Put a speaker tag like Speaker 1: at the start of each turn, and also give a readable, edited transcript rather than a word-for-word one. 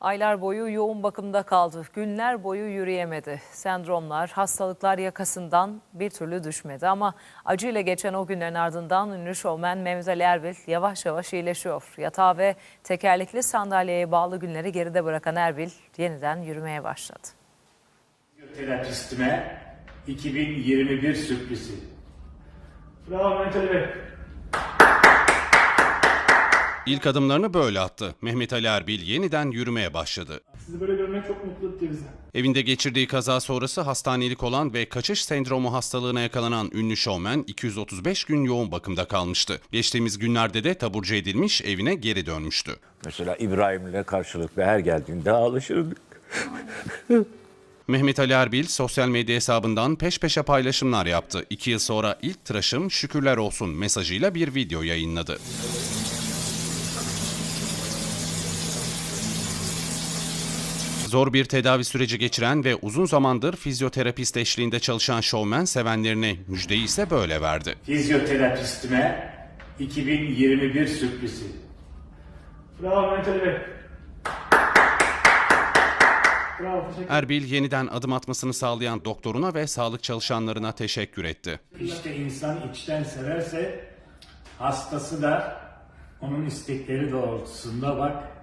Speaker 1: Aylar boyu yoğun bakımda kaldı. Günler boyu yürüyemedi. Sendromlar, hastalıklar yakasından bir türlü düşmedi. Ama acıyla geçen o günlerin ardından ünlü şovmen Mehmet Ali Erbil yavaş yavaş iyileşiyor. Yatağa ve tekerlekli sandalyeye bağlı günleri geride bırakan Erbil yeniden yürümeye başladı.
Speaker 2: Terapistime 2021 sürprizi. Bravo Mehmet Ali Bey.
Speaker 3: İlk adımlarını böyle attı. Mehmet Ali Erbil yeniden yürümeye başladı.
Speaker 2: Sizi böyle görmek çok mutlu etti bizi.
Speaker 3: Evinde geçirdiği kaza sonrası hastanelik olan ve kaçış sendromu hastalığına yakalanan ünlü şovmen 235 gün yoğun bakımda kalmıştı. Geçtiğimiz günlerde de taburcu edilmiş, evine geri dönmüştü.
Speaker 4: Mesela İbrahim'le karşılıklı her geldiğinde ağlaşırdık.
Speaker 3: Mehmet Ali Erbil sosyal medya hesabından peş peşe paylaşımlar yaptı. 2 yıl sonra ilk tıraşım şükürler olsun mesajıyla bir video yayınladı. Zor bir tedavi süreci geçiren ve uzun zamandır fizyoterapist eşliğinde çalışan şovmen sevenlerine müjdeyi ise böyle verdi.
Speaker 2: Fizyoterapistime 2021 sürprizi. Bravo Mehmet Ali Bey. Bravo, teşekkür.
Speaker 3: Erbil yeniden adım atmasını sağlayan doktoruna ve sağlık çalışanlarına teşekkür etti.
Speaker 2: İşte insan içten severse hastası da onun istekleri doğrultusunda bak